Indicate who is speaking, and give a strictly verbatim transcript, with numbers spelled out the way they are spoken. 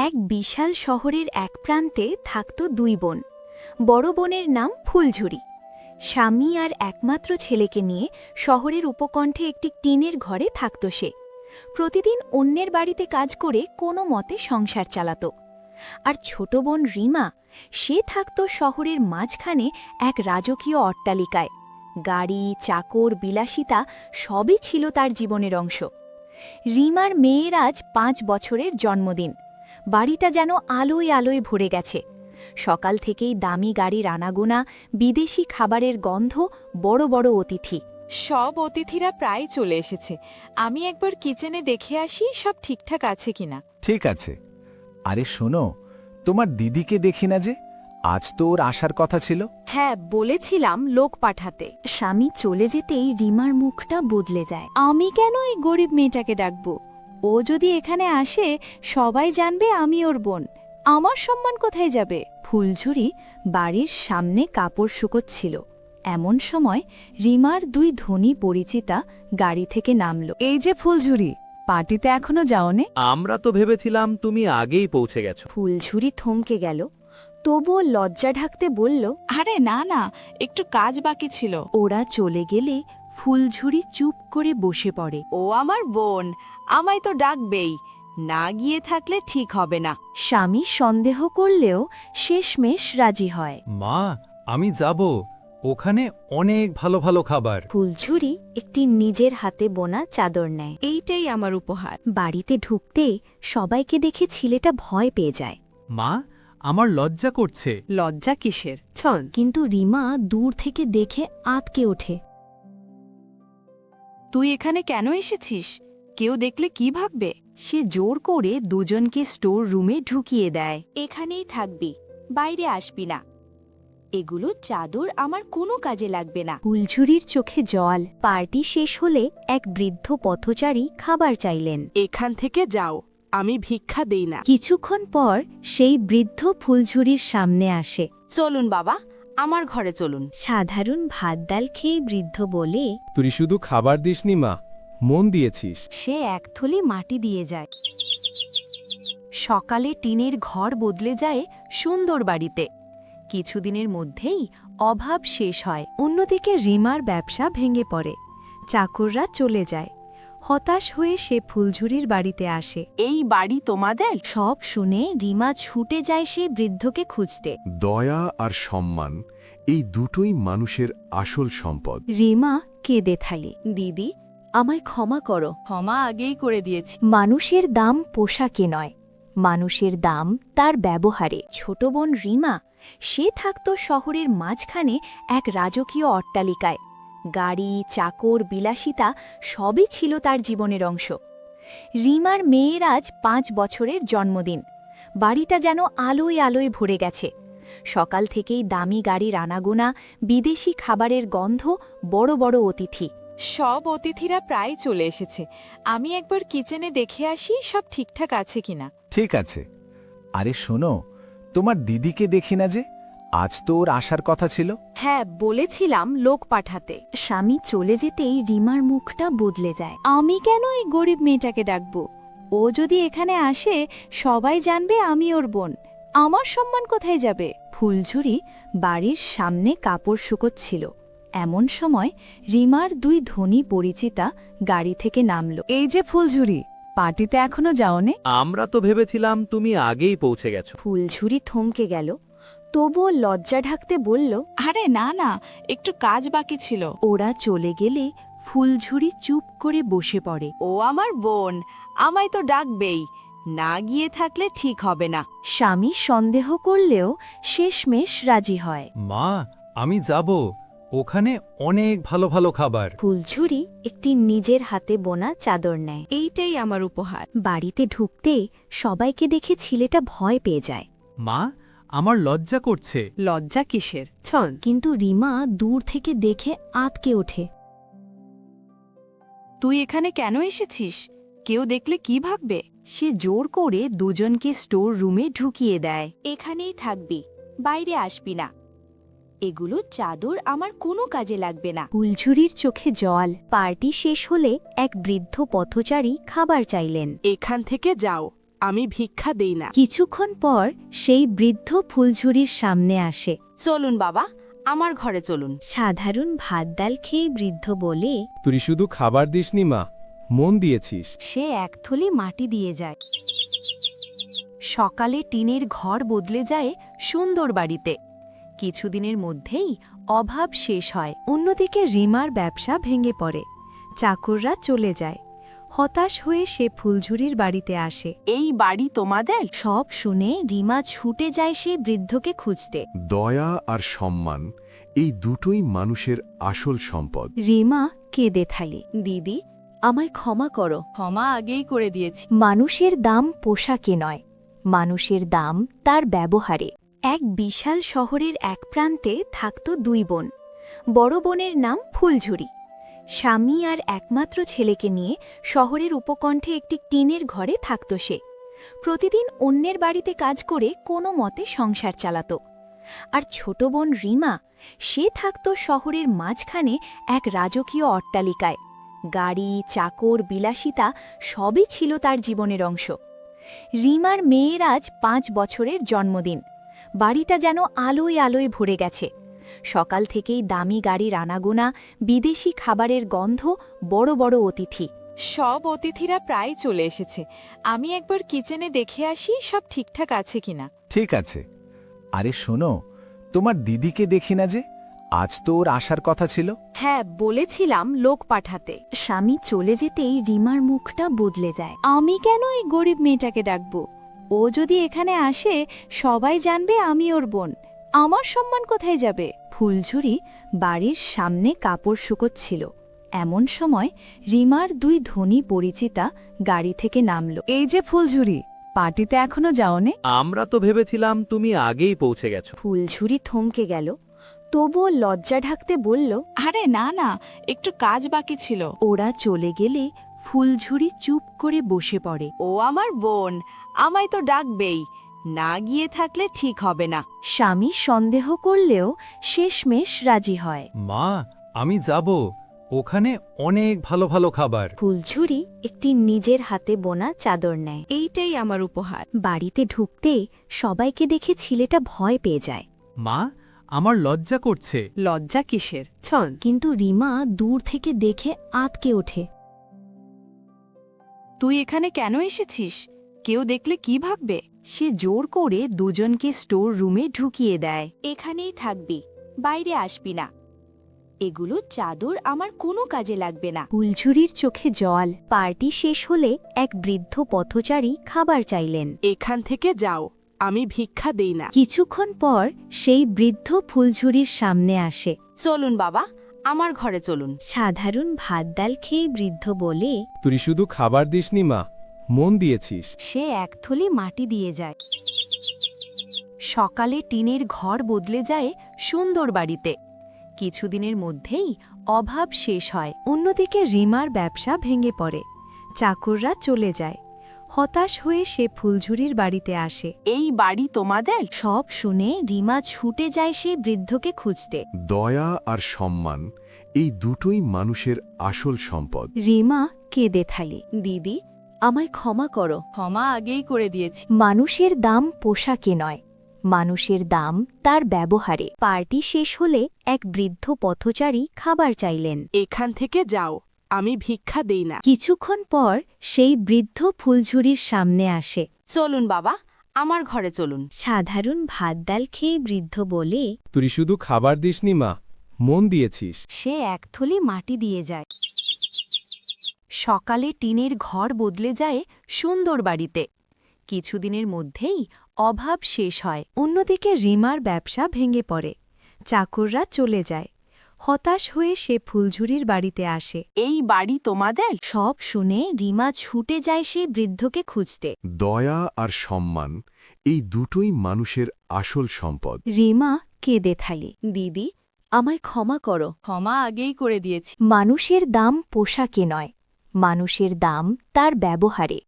Speaker 1: এক বিশাল শহরের এক প্রান্তে থাকত দুই বোন। বড় বোনের নাম ফুলঝুরি। স্বামী আর একমাত্র ছেলেকে নিয়ে শহরের উপকণ্ঠে একটি টিনের ঘরে থাকত সে। প্রতিদিন অন্যের বাড়িতে কাজ করে কোনো মতে সংসার চালাত। আর ছোট বোন রিমা, সে থাকত শহরের মাঝখানে এক রাজকীয় অট্টালিকায়। গাড়ি, চাকর, বিলাসিতা সবই ছিল তার জীবনের অংশ। রিমার মেয়ের আজ পাঁচ বছরের জন্মদিন। বাড়িটা যেন আলোয় আলোয় ভরে গেছে। সকাল থেকেই দামি গাড়ির আনাগোনা, বিদেশি খাবারের গন্ধ, বড় বড় অতিথি।
Speaker 2: সব অতিথিরা প্রায় চলে এসেছে। আমি একবার কিচেনে দেখে আসি সব ঠিকঠাক আছে কিনা।
Speaker 3: ঠিক আছে। আরে শোনো, তোমার দিদিকে দেখি না যে, আজ তো ওর আসার কথা ছিল।
Speaker 4: হ্যাঁ, বলেছিলাম লোক পাঠাতে।
Speaker 1: স্বামী চলে যেতেই রিমার মুখটা বদলে যায়।
Speaker 4: আমি কেন এই গরিব মেয়েটাকে ডাকব? ও যদি এখানে আসে সবাই জানবে আমি ওর বোন। আমার সম্মান কোথায় যাবে?
Speaker 1: ফুলঝুরি বাড়ির সামনে কাপড় শুকোচ্ছিল। এমন সময় রিমার দুই ধনী পরিচিতা গাড়ি থেকে নামল।
Speaker 4: এই যে ফুলঝুরি, পার্টিতে এখনো যাওনে?
Speaker 5: আমরা তো ভেবেছিলাম তুমি আগেই পৌঁছে গেছো।
Speaker 1: ফুলঝুরি থমকে গেল, তবুও লজ্জা ঢাকতে বলল,
Speaker 2: আরে না না, একটু কাজ বাকি ছিল।
Speaker 1: ওরা চলে গেলে ফুলঝুরি চুপ করে বসে পড়ে।
Speaker 4: ও আমার বোন, আমায় তো ডাকবেই। না গিয়ে থাকলে ঠিক হবে না।
Speaker 1: স্বামী সন্দেহ করলেও শেষমেশ রাজি হয়।
Speaker 6: মা, আমি যাব। ওখানে অনেক ভালো ভালো খাবার।
Speaker 1: ফুলঝুরি একটি নিজের হাতে বোনা চাদর নেয়।
Speaker 4: এইটাই আমার উপহার।
Speaker 1: বাড়িতে ঢুকতে সবাইকে দেখে ছেলেটা ভয় পেয়ে যায়।
Speaker 6: মা, আমার লজ্জা করছে।
Speaker 4: লজ্জা কিসের? ছন।
Speaker 1: কিন্তু রিমা দূর থেকে দেখে আঁতকে ওঠে।
Speaker 4: তুই এখানে কেন এসেছিস? কেউ দেখলে কি ভাববে?
Speaker 1: সে জোর করে দুজনকে স্টোর রুমে ঢুকিয়ে দেয়।
Speaker 4: এখানেই থাকবি, বাইরে আসবি না। এগুলো চাদর আমার কোনো কাজে লাগবে না।
Speaker 1: ফুলঝুরির চোখে জল। পার্টি শেষ হলে এক বৃদ্ধ পথচারী খাবার চাইলেন।
Speaker 4: এখান থেকে যাও, আমি ভিক্ষা দেই না।
Speaker 1: কিছুক্ষণ পর সেই বৃদ্ধ ফুলঝুরির সামনে আসে।
Speaker 4: চলুন বাবা, আমার ঘরে চলুন।
Speaker 1: সাধারণ ভাত ডাল খেয়ে বৃদ্ধ বলে,
Speaker 7: তুই শুধু খাবার দিসনি মা, মন দিয়েছিস।
Speaker 1: সে এক থলি মাটি দিয়ে যায়। সকালে টিনের ঘর বদলে যায় সুন্দর বাড়িতে। কিছুদিনের মধ্যেই অভাব শেষ হয়। অন্যদিকে রিমার ব্যবসা ভেঙে পড়ে। চাকররা চলে যায়। হতাশ হয়ে সে ফুলঝুরির বাড়িতে আসে।
Speaker 4: এই বাড়ি তোমাদের?
Speaker 1: সব শুনে রিমা ছুটে যায় সে বৃদ্ধকে খুঁজতে।
Speaker 8: দয়া আর সম্মান, এই দুটোই মানুষের আসল সম্পদ।
Speaker 1: রিমা কেঁদে থালি, দিদি আমায় ক্ষমা করো।
Speaker 4: ক্ষমা আগেই করে দিয়েছি।
Speaker 1: মানুষের দাম পোশাকে নয়, মানুষের দাম তার ব্যবহারে। ছোট বোন রিমা, সে থাকত শহরের মাঝখানে এক রাজকীয় অট্টালিকায়। গাড়ি, চাকর, বিলাসিতা সবই ছিল তার জীবনের অংশ। রিমার মেয়ের আজ পাঁচ বছরের জন্মদিন। বাড়িটা যেন আলোয় আলোয় ভরে গেছে। সকাল থেকেই দামি গাড়ির আনাগোনা, বিদেশি খাবারের গন্ধ, বড় বড় অতিথি।
Speaker 2: সব অতিথিরা প্রায় চলে এসেছে। আমি একবার কিচেনে দেখে আসি সব ঠিকঠাক আছে কিনা।
Speaker 3: ঠিক আছে। আরে শোনো, তোমার দিদিকে দেখি না যে, আজ তো ওর আসার কথা ছিল।
Speaker 4: হ্যাঁ, বলেছিলাম লোক পাঠাতে।
Speaker 1: স্বামী চলে যেতেই রিমার মুখটা বদলে যায়।
Speaker 4: আমি কেন এই গরিব মেয়েটাকে ডাকব? ও যদি এখানে আসে সবাই জানবে আমি ওর বোন। আমার সম্মান কোথায় যাবে?
Speaker 1: ফুলঝুরি বাড়ির সামনে কাপড় শুকোচ্ছিল। এমন সময় রিমার দুই ধনী পরিচিতা গাড়ি থেকে নামল।
Speaker 4: এই যে ফুলঝুরি, পার্টিতে এখনো যাওনে?
Speaker 5: আমরা তো ভেবেছিলাম তুমি আগেই পৌঁছে গেছো।
Speaker 1: ফুলঝুরি থমকে গেল, তবুও লজ্জা ঢাকতে বলল,
Speaker 2: আরে না না, একটু কাজ বাকি ছিল।
Speaker 1: ওরা চলে গেলে ফুলঝুরি চুপ করে বসে পড়ে।
Speaker 4: ও আমার বোন, আমায় তো ডাকবেই। না গিয়ে থাকলে ঠিক হবে না।
Speaker 1: স্বামী সন্দেহ করলেও শেষমেশ রাজি হয়।
Speaker 6: মা, আমি যাব। ওখানে অনেক ভালো ভালো খাবার।
Speaker 1: ফুলঝুরি একটি নিজের হাতে বোনা চাদর নেয়।
Speaker 4: এইটাই আমার উপহার।
Speaker 1: বাড়িতে ঢুকতে সবাইকে দেখে ছেলেটা ভয় পেয়ে যায়।
Speaker 6: মা, আমার লজ্জা করছে।
Speaker 4: লজ্জা কিসের? ছন।
Speaker 1: কিন্তু রিমা দূর থেকে দেখে আঁতকে ওঠে।
Speaker 4: তুই এখানে কেন এসেছিস? কেউ দেখলে কি ভাববে?
Speaker 1: সে জোর করে দুজনকে স্টোর রুমে ঢুকিয়ে দেয়।
Speaker 4: এখানেই থাকবি, বাইরে আসবি না। এগুলো চাদর আমার কোনো কাজে লাগবে না।
Speaker 1: ফুলঝুরির চোখে জল। পার্টি শেষ হলে এক বৃদ্ধ পথচারী খাবার চাইলেন।
Speaker 4: এখান থেকে যাও,
Speaker 2: আমি ভিক্ষা দেই না।
Speaker 1: কিছুক্ষণ পর সেই বৃদ্ধ ফুলঝুরির সামনে আসে।
Speaker 2: চলুন বাবা, আমার ঘরে চলুন।
Speaker 1: সাধারণ ভাত ডাল খেয়ে বৃদ্ধ বলে,
Speaker 7: তুই শুধু খাবার দিসনি মা, মন দিয়েছিস।
Speaker 1: সে এক থলি মাটি দিয়ে যায়। সকালে টিনের ঘর বদলে যায় সুন্দর বাড়িতে। কিছুদিনের মধ্যেই অভাব শেষ হয়। অন্যদিকে রিমার ব্যবসা ভেঙে পড়ে, চাকররা চলে যায়। হতাশ হয়ে সে ফুলঝুরির বাড়িতে আসে।
Speaker 2: এই বাড়ি তোমাদের?
Speaker 1: সব শুনে রিমা ছুটে যায় সে বৃদ্ধকে খুঁজতে।
Speaker 8: দয়া আর সম্মান এই দুটোই মানুষের আসল সম্পদ।
Speaker 1: রিমা কেঁদে থালি,
Speaker 2: দিদি, আমায় ক্ষমা করো। ক্ষমা আগেই করে দিয়েছি।
Speaker 1: মানুষের দাম পোশাকে নয়, মানুষের দাম তার ব্যবহারে। এক বিশাল শহরের এক প্রান্তে থাকত দুই বোন। বড় বোনের নাম ফুলঝুরি। স্বামী আর একমাত্র ছেলেকে নিয়ে শহরের উপকণ্ঠে একটি টিনের ঘরে থাকত সে। প্রতিদিন অন্যের বাড়িতে কাজ করে কোনো মতে সংসার চালাত। আর ছোট বোন রিমা, সে থাকত শহরের মাঝখানে এক রাজকীয় অট্টালিকায়। গাড়ি, চাকর, বিলাসিতা সবই ছিল তার জীবনের অংশ। রিমার মেয়ের আজ পাঁচ বছরের জন্মদিন। বাড়িটা যেন আলোয় আলোয় ভরে গেছে। সকাল থেকেই দামি গাড়ির আনাগোনা, বিদেশি খাবারের গন্ধ, বড় বড় অতিথি।
Speaker 2: সব অতিথিরা প্রায় চলে এসেছে। আমি একবার কিচেনে দেখে আসি সব ঠিকঠাক আছে কিনা।
Speaker 3: ঠিক আছে। আরে শোনো, তোমার দিদিকে দেখি না যে, আজ তো ওর আসার কথা ছিল।
Speaker 4: হ্যাঁ, বলেছিলাম লোক পাঠাতে।
Speaker 1: স্বামী চলে যেতেই রিমার মুখটা বদলে যায়।
Speaker 4: আমি কেন এই গরিব মেয়েটাকে ডাকব? ও যদি এখানে আসে সবাই জানবে আমি ওর বোন। আমার সম্মান কোথায় যাবে?
Speaker 1: ফুলঝুরি বাড়ির সামনে কাপড় শুকোচ্ছিল। এমন সময় রিমার দুই ধনী পরিচিতা গাড়ি থেকে নামল।
Speaker 4: এই যে ফুলঝুরি, পার্টিতে এখনো যাওনে?
Speaker 5: আমরা তো ভেবেছিলাম তুমি আগেই পৌঁছে গেছো।
Speaker 1: ফুলঝুরি থমকে গেল, তবুও লজ্জা ঢাকতে বলল,
Speaker 2: আরে না না, একটু কাজ বাকি ছিল।
Speaker 1: ওরা চলে গেলে ফুলঝুরি চুপ করে বসে পড়ে।
Speaker 4: ও আমার বোন, আমায় তো ডাকবেই, না গিয়ে থাকলে ঠিক হবে না।
Speaker 1: স্বামী সন্দেহ করলেও শেষমেশ রাজি হয়।
Speaker 6: মা, আমি যাব, ওখানে অনেক ভালো ভালো খাবার।
Speaker 1: ফুলঝুরি একটি নিজের হাতে বোনা চাদর নেয়।
Speaker 2: এইটাই আমার উপহার।
Speaker 1: বাড়িতে ঢুকতে সবাইকে দেখে ছেলেটা ভয় পেয়ে যায়।
Speaker 6: মা, আমার লজ্জা করছে।
Speaker 2: লজ্জা কিসের? ছন।
Speaker 1: কিন্তু রিমা দূর থেকে দেখে আঁতকে ওঠে।
Speaker 2: তুই এখানে কেন এসেছিস? কেউ দেখলে কি ভাববে?
Speaker 1: সে জোর করে দুজনকে স্টোর রুমে ঢুকিয়ে দেয়।
Speaker 4: এখানেই থাকবি, বাইরে আসবি না। এগুলো চাদর আমার কোনো কাজে লাগবে না।
Speaker 1: ফুলঝুরির চোখে জল। পার্টি শেষ হলে এক বৃদ্ধ পথচারী খাবার চাইলেন।
Speaker 2: এখান থেকে যাও, আমি ভিক্ষা দেই না।
Speaker 1: কিছুক্ষণ পর সেই বৃদ্ধ ফুলঝুরির সামনে আসে।
Speaker 2: চলুন বাবা, আমার ঘরে চলুন।
Speaker 1: সাধারণ ভাত ডাল খেয়ে বৃদ্ধ বলে,
Speaker 7: তুই শুধু খাবার দিসনি মা, মন দিয়েছিস।
Speaker 1: সে এক থলি মাটি দিয়ে যায়। সকালে টিনের ঘর বদলে যায় সুন্দর বাড়িতে। কিছুদিনের মধ্যেই অভাব শেষ হয়। অন্যদিকে রিমার ব্যবসা ভেঙে পড়ে, চাকররা চলে যায়। হতাশ হয়ে সে ফুলঝুরির বাড়িতে আসে।
Speaker 2: এই বাড়ি তোমাদের?
Speaker 1: সব শুনে রিমা ছুটে যায় সে বৃদ্ধকে খুঁজতে।
Speaker 8: দয়া আর সম্মান এই দুটোই মানুষের আসল সম্পদ।
Speaker 1: রিমা কেঁদে থালি,
Speaker 2: দিদি, আমায় ক্ষমা করো। ক্ষমা আগেই করে দিয়েছি।
Speaker 1: মানুষের দাম পোশাকে নয়, মানুষের দাম তার ব্যবহারে। পার্টি শেষ হলে এক বৃদ্ধ পথচারী খাবার চাইলেন।
Speaker 2: এখান থেকে যাও, আমি ভিক্ষা দেই না।
Speaker 1: কিছুক্ষণ পর সেই বৃদ্ধ ফুলঝুরির সামনে আসে।
Speaker 2: চলুন বাবা, আমার ঘরে চলুন।
Speaker 1: সাধারণ ভাত ডাল খেয়ে বৃদ্ধ বলে,
Speaker 7: তুই শুধু খাবার দিসনি মা, মন দিয়েছিস।
Speaker 1: সে এক থলি মাটি দিয়ে যায়। সকালে টিনের ঘর বদলে যায় সুন্দর বাড়িতে। কিছুদিনের মধ্যেই অভাব শেষ হয়। অন্যদিকে রিমার ব্যবসা ভেঙে পড়ে, চাকররা চলে যায়। হতাশ হয়ে সে ফুলঝুরির বাড়িতে আসে।
Speaker 2: এই বাড়ি তোমাদের?
Speaker 1: সব শুনে রিমা ছুটে যায় সে বৃদ্ধকে খুঁজতে।
Speaker 8: দয়া আর সম্মান এই দুটোই মানুষের আসল সম্পদ।
Speaker 1: রিমা কেঁদে থালি,
Speaker 2: দিদি, আমায় ক্ষমা করো। ক্ষমা আগেই করে দিয়েছি।
Speaker 1: মানুষের দাম পোশাকে নয়, মানুষের দাম তার ব্যবহারে।